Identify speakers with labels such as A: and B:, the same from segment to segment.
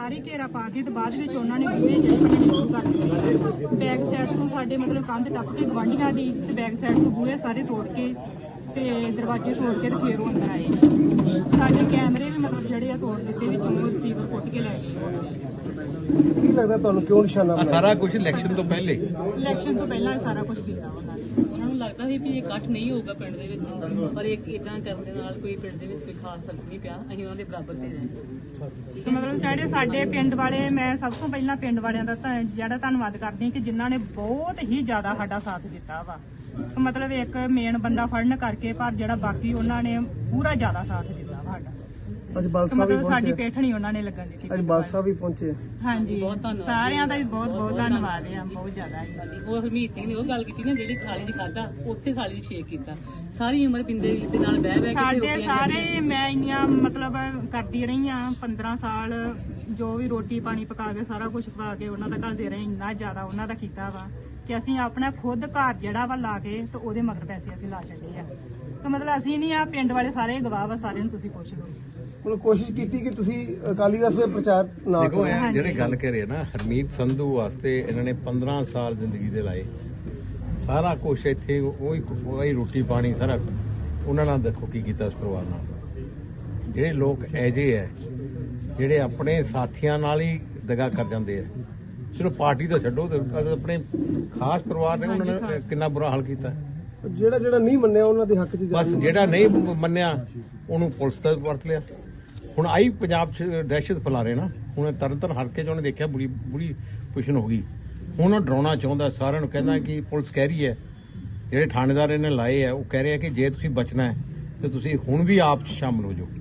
A: ਸਾਰੇ ਘੇਰਾ ਪਾ ਕੇ ਤੇ ਬਾਅਦ ਵਿੱਚ ਉਹਨਾਂ ਨੇ ਬੂਹੇ ਜਿਹੜੇ ਭੰਨਣੇ ਸ਼ੁਰੂ ਕਰ ਦਿੱਤੇ। ਬੈਕ ਸਾਈਡ ਤੋਂ ਸਾਡੇ ਮਤਲਬ ਕੰਧ ਟੱਪ ਕੇ ਗਵਾਂਢੀਆਂ ਦੀ ਤੇ ਬੈਕ ਸਾਈਡ ਤੋਂ ਬੂਹੇ ਸਾਰੇ ਤੋੜ ਕੇ ਤੇ ਦਰਵਾਜ਼ੇ ਤੋੜ ਕੇ ਤੇ ਫੇਰ ਉਹ ਅੰਦਰ ਆਏ ਨੇ। ਸਾਡੇ ਕੈਮਰੇ ਵੀ ਮਤਲਬ ਜਿਹੜੇ ਆ ਤੋੜ ਦਿੱਤੇ, ਵਿੱਚੋਂ ਰਿਸੀਵਰ ਪੁੱਟ ਕੇ ਲੈ ਗਏ।
B: ਕੀ ਲੱਗਦਾ ਤੁਹਾਨੂੰ ਕਿਉਂ ਨਿਸ਼ਾਨਾ ਬਣਾਇਆ?
C: ਸਾਰਾ ਕੁਝ ਇਲੈਕਸ਼ਨ ਤੋਂ ਪਹਿਲੇ
A: ਸਾਰਾ ਕੁਝ ਕੀਤਾ ਉਹਨਾਂ ਨੂੰ
D: ਲੱਗਦਾ ਸੀ ਵੀ ਇਹ ਇਕੱਠ ਨਹੀਂ ਹੋਊਗਾ ਪਿੰਡ ਦੇ ਵਿੱਚ, ਪਰ ਇੱਕ ਇਦਾਂ ਕਰਨ ਦੇ ਨਾਲ ਕੋਈ ਪਿੰਡ ਦੇ ਵਿੱਚ ਕੋਈ ਖਾਸ ਫਰਕ ਨਹੀਂ ਪਿਆ। ਅਸੀਂ ਉਹਨਾਂ ਦੇ ਬਰਾਬਰ ਤੇ ਰਹੇ।
A: ਮਤਲਬ ਸਾਡੇ ਪਿੰਡ ਵਾਲੇ, ਮੈਂ ਸਭ ਤੋਂ ਪਹਿਲਾਂ ਪਿੰਡ ਵਾਲਿਆਂ ਦਾ ਜਿਹੜਾ ਧੰਨਵਾਦ ਕਰਦੀ ਹਾਂ ਕਿ ਜਿਨ੍ਹਾਂ ਨੇ ਬਹੁਤ ਹੀ ਜ਼ਿਆਦਾ ਸਾਡਾ ਸਾਥ ਦਿੱਤਾ ਵਾ। ਮਤਲਬ ਇੱਕ ਮੇਨ ਬੰਦਾ ਫੜਨ ਕਰਕੇ, ਪਰ ਜਿਹੜਾ ਬਾਕੀ ਉਹਨਾਂ ਨੇ ਪੂਰਾ ਜ਼ਿਆਦਾ ਸਾਥ ਦਿੱਤਾ ਵਾ ਸਾਡਾ।
B: ਅੱਜ ਬਾਲਸਾ ਵੀ
A: ਮਤਲਬ ਸਾਡੀ
B: ਪਹੁੰਚੇ,
A: ਪੇਠਣੀ ਉਹਨਾਂ ਨੇ ਲੱਗਣ ਦਿੱਤੀ।
B: ਅੱਜ ਬਾਲਸਾ ਵੀ ਪਹੁੰਚੇ।
A: ਹਾਂਜੀ, ਸਾਰਿਆਂ ਦਾ ਵੀ ਬਹੁਤ ਬਹੁਤ ਧੰਨਵਾਦ ਹੈ, ਬਹੁਤ ਜ਼ਿਆਦਾ।
D: ਉਹ ਹਰਮੀਤ ਸਿੰਘ ਨੇ ਉਹ ਗੱਲ ਕੀਤੀ ਨਾ, ਜਿਹੜੀ ਥਾਲੀ 'ਚ ਖਾਧਾ ਉਸੇ ਥਾਲੀ 'ਚ ਛੇਕ ਕੀਤਾ। ਸਾਰੀ ਉਮਰ ਪਿੰਦੇ ਦੇ ਨਾਲ ਬਹਿ ਕੇ
A: ਸਾਡੇ ਸਾਰੇ, ਮੈਂ ਇੰਨੀਆਂ ਮਤਲਬ ਕਰਦੀ ਰਹੀ ਹਾਂ 15 ਸਾਲ, ਜੋ ਵੀ ਰੋਟੀ ਪਾਣੀ ਪਕਾ ਕੇ ਸਾਰਾ ਕੁਝ ਪਕਾ ਕੇ ਉਹਨਾਂ ਦਾ ਘੱਲਦੇ ਰਹੇ। ਇੰਨਾ ਜ਼ਿਆਦਾ ਉਹਨਾਂ ਦਾ ਕੀਤਾ ਵਾ ਕਿ ਅਸੀਂ ਆਪਣਾ ਖੁਦ ਘਰ ਜਿਹੜਾ ਵਾ ਲਾ ਕੇ ਤੇ ਉਹਦੇ ਮਗਰ ਪੈਸੇ ਅਸੀਂ ਲਾ ਛੱਡੇ ਆ। ਤੇ ਮਤਲਬ ਅਸੀਂ ਨਹੀਂ, ਆ ਪਿੰਡ ਵਾਲੇ ਸਾਰੇ ਗਵਾਹ ਵਾ, ਸਾਰਿਆਂ ਨੂੰ ਤੁਸੀਂ ਪੁੱਛ ਲਓ।
B: ਹੁਣ ਕੋਸ਼ਿਸ਼ ਕੀਤੀ ਕਿ ਤੁਸੀਂ ਅਕਾਲੀ ਦਲ ਦੇ ਪ੍ਰਚਾਰ ਨਾ
C: ਦੇਖੋ
B: ਕਰੋ।
C: ਇਹ ਜਿਹੜੇ ਗੱਲ ਕਰ ਰਹੇ ਨਾ, ਹਰਮੀਤ ਸੰਧੂ ਵਾਸਤੇ ਇਹਨਾਂ ਨੇ 15 ਸਾਲ ਜ਼ਿੰਦਗੀ ਦੇ ਲਾਏ। ਸਾਰਾ ਕੁਝ ਇੱਥੇ ਉਹੀ ਰੋਟੀ ਪਾਣੀ ਸਾਰਾ ਉਹਨਾਂ ਨਾਲ ਦੇਖੋ ਕੀ ਕੀਤਾ ਉਸ ਪਰਿਵਾਰ ਨਾਲ। ਜਿਹੜੇ ਲੋਕ ਐਜੇ ਹੈ ਜਿਹੜੇ ਆਪਣੇ ਸਾਥੀਆਂ ਨਾਲ ਹੀ ਦਗਾ ਕਰ ਜਾਂਦੇ ਆ। ਚਲੋ ਪਾਰਟੀ ਤਾਂ ਛੱਡੋ, ਆਪਣੇ ਖਾਸ ਪਰਿਵਾਰ ਨੇ ਉਹਨਾਂ ਨੇ ਕਿੰਨਾ ਬੁਰਾ ਹਾਲ ਕੀਤਾ।
B: ਜਿਹੜਾ ਨਹੀਂ ਮੰਨਿਆ ਉਹਨਾਂ ਦੇ ਹੱਕ 'ਚ
C: ਬਸ ਜਿਹੜਾ ਨਹੀਂ ਮੰਨਿਆ ਉਹਨੂੰ ਪੁਲਿਸ ਦਾ ਵਰਤ ਲਿਆ। ਹੁਣ ਆਈ ਪੰਜਾਬ 'ਚ ਦਹਿਸ਼ਤ ਫੈਲਾ ਰਹੇ ਨਾ। ਹੁਣ ਤਰਨਤਾਰਨ ਹਲਕੇ 'ਚ ਉਹਨੇ ਦੇਖਿਆ ਬੁਰੀ ਪੁਸ਼ਨ ਹੋ ਗਈ। ਹੁਣ ਉਹ ਡਰਾਉਣਾ ਚਾਹੁੰਦਾ ਸਾਰਿਆਂ ਨੂੰ, ਕਹਿੰਦਾ ਕਿ ਪੁਲਿਸ ਕਹਿ ਰਹੀ ਹੈ, ਜਿਹੜੇ ਥਾਣੇਦਾਰ ਇਹਨੇ ਲਾਏ ਆ ਉਹ ਕਹਿ ਰਹੇ ਆ ਕਿ ਜੇ ਤੁਸੀਂ ਬਚਣਾ ਹੈ ਤੇ ਤੁਸੀਂ ਹੁਣ ਵੀ ਆਪ 'ਚ ਸ਼ਾਮਲ ਹੋ ਜਾਓ।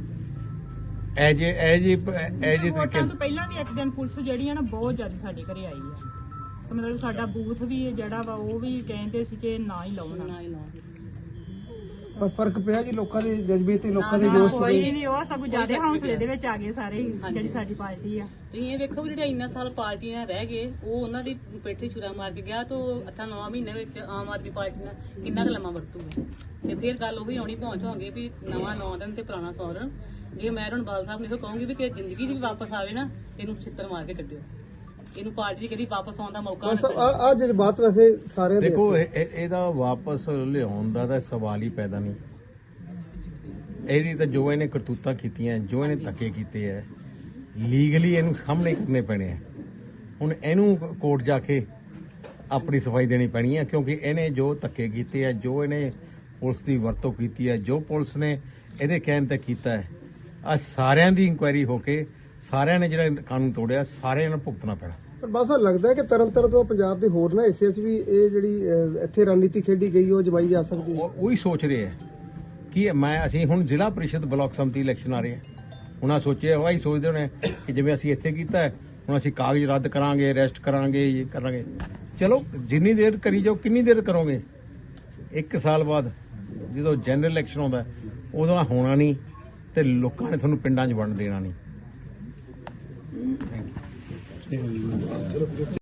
A: ਵੋਟਾਂ ਤੋਂ ਪਹਿਲਾਂ ਵੀ ਇੱਕ ਦਿਨ ਪੁਲਿਸ ਜਿਹੜੀ ਆ ਨਾ ਬਹੁਤ ਜ਼ਿਆਦਾ ਸਾਡੇ ਘਰੇ ਆਈ ਆ। ਤੇ ਮਤਲਬ ਸਾਡਾ ਬੂਥ ਵੀ ਜਿਹੜਾ ਵਾ ਉਹ ਵੀ ਕਹਿੰਦੇ ਸੀ ਕਿ ਨਾ ਹੀ ਲਾਉਣਾ।
B: ਪਰ ਫਰਕ ਪਿਆ ਜੀ ਲੋਕਾਂ ਦੇ ਜਜ਼ਬੇ ਤੇ, ਲੋਕਾਂ ਦੇ ਜੋਸ਼
A: ਕੋਈ ਨਹੀਂ, ਉਹ ਸਭ ਜ਼ਿਆਦਾ ਹੌਸਲੇ ਦੇ ਵਿੱਚ ਆ ਗਏ ਸਾਰੇ ਜਿਹੜੀ ਸਾਡੀ ਪਾਰਟੀ ਆ।
D: ਤੁਸੀਂ ਇਹ ਵੇਖੋ ਜਿਹੜੇ ਇੰਨਾ ਸਾਲ ਪਾਰਟੀਆਂ ਰਹਿ ਗਏ, ਉਹ ਉਹਨਾਂ ਦੀ ਪੇਠੇ ਛੁਰਾ ਮਾਰ ਕੇ ਗਿਆ ਤਾਂ 8-9 ਮਹੀਨੇ ਵਿੱਚ ਆਮ ਆਦਮੀ ਪਾਰਟੀ ਨਾਲ ਕਿੰਨਾ ਕੁ ਲੰਮਾ ਵਰਤੂਗਾ। ਤੇ ਫਿਰ ਗੱਲ ਉਹ ਵੀ ਆਉਣੀ ਪਹੁੰਚਾਂਗੇ ਵੀ ਨਵਾਂ 9 ਦਿਨ ਤੇ ਪੁਰਾਣਾ 100 ਦਿਨ। ਜੇ ਮੈਂ ਹੁਣ ਬਾਲ ਸਾਹਿਬ ਨੂੰ ਇਹੋ ਕਹੂੰਗੀ ਵੀ ਕਿ ਜ਼ਿੰਦਗੀ 'ਚ ਵੀ ਵਾਪਸ ਆਵੇ ਨਾ, ਇਹਨੂੰ ਛਿੱਤਰ ਮਾਰ ਕੇ ਕੱਢਿਓ। ਇਹਨੂੰ ਪਾਰਟੀ ਕਦੀ ਵਾਪਸ ਆਉਣ ਦਾ ਮੌਕਾ ਨਾ ਮਿਲੇ।
B: ਆ ਜਜ਼ਬਾਤ ਵੈਸੇ ਸਾਰੇ
C: ਦੇਖੋ ਇਹਦਾ ਵਾਪਸ ਲਿਆਉਣ ਦਾ ਤਾਂ ਸਵਾਲ ਹੀ ਪੈਦਾ ਨਹੀਂ। ਇਹਦੀ ਤਾਂ ਜੋ ਇਹਨੇ ਕਰਤੂਤਾਂ ਕੀਤੀਆਂ, ਜੋ ਇਹਨੇ ਧੱਕੇ ਕੀਤੇ ਹੈ, ਲੀਗਲੀ ਇਹਨੂੰ ਸਾਹਮਣੇ ਕਰਨੇ ਪੈਣੇ ਆ। ਹੁਣ ਇਹਨੂੰ ਕੋਰਟ ਜਾ ਕੇ ਆਪਣੀ ਸਫਾਈ ਦੇਣੀ ਪੈਣੀ ਹੈ, ਕਿਉਂਕਿ ਇਹਨੇ ਜੋ ਧੱਕੇ ਕੀਤੇ ਆ, ਜੋ ਇਹਨੇ ਪੁਲਿਸ ਦੀ ਵਰਤੋਂ ਕੀਤੀ ਹੈ, ਜੋ ਪੁਲਿਸ ਨੇ ਇਹਦੇ ਕਹਿਣ ਤੇ ਕੀਤਾ ਹੈ, ਆ ਸਾਰਿਆਂ ਦੀ ਇਨਕੁਆਇਰੀ ਹੋ ਕੇ ਸਾਰਿਆਂ ਨੇ ਜਿਹੜਾ ਕਾਨੂੰਨ ਤੋੜਿਆ ਸਾਰਿਆਂ ਨੂੰ ਭੁਗਤਣਾ ਪੈਣਾ। ਪਰ
B: ਬਸ ਲੱਗਦਾ ਹੈ ਕਿ ਤਰਨਤਾਰਨ ਤੋਂ ਪੰਜਾਬ ਦੇ ਹੋਰ ਨਾ ਹਿੱਸੇ 'ਚ ਵੀ ਇਹ ਜਿਹੜੀ ਇੱਥੇ ਰਣਨੀਤੀ ਖੇਡੀ ਗਈ ਉਹ ਜਮਾਈ ਜਾ ਸਕਦੀ ਹੈ।
C: ਉਹੀ ਸੋਚ ਰਹੇ ਆ ਕਿ ਅਸੀਂ ਹੁਣ ਜ਼ਿਲ੍ਹਾ ਪ੍ਰੀਸ਼ਦ ਬਲਾਕ ਸੰਮਤੀ ਇਲੈਕਸ਼ਨ ਆ ਰਹੇ ਆ। ਹੁਣ ਆ ਸੋਚਿਆ ਹੋਇਆ ਹੀ ਸੋਚਦੇ ਹੋਣੇ ਕਿ ਜਿਵੇਂ ਅਸੀਂ ਇੱਥੇ ਕੀਤਾ ਹੈ, ਹੁਣ ਅਸੀਂ ਕਾਗਜ਼ ਰੱਦ ਕਰਾਂਗੇ, ਅਰੈਸਟ ਕਰਾਂਗੇ, ਇਹ ਕਰਾਂਗੇ। ਚਲੋ ਜਿੰਨੀ ਦੇਰ ਕਰੀ ਜਾਓ, ਕਿੰਨੀ ਦੇਰ ਕਰੋਗੇ? 1 ਸਾਲ ਬਾਅਦ ਜਦੋਂ ਜਨਰਲ ਇਲੈਕਸ਼ਨ ਆਉਂਦਾ ਉਦੋਂ ਹੋਣਾ ਨਹੀਂ ਤੇ ਲੋਕਾਂ ਨੇ ਤੁਹਾਨੂੰ ਪਿੰਡਾਂ 'ਚ ਵੰਡ ਦੇਣਾ ਨਹੀਂ। Thank you.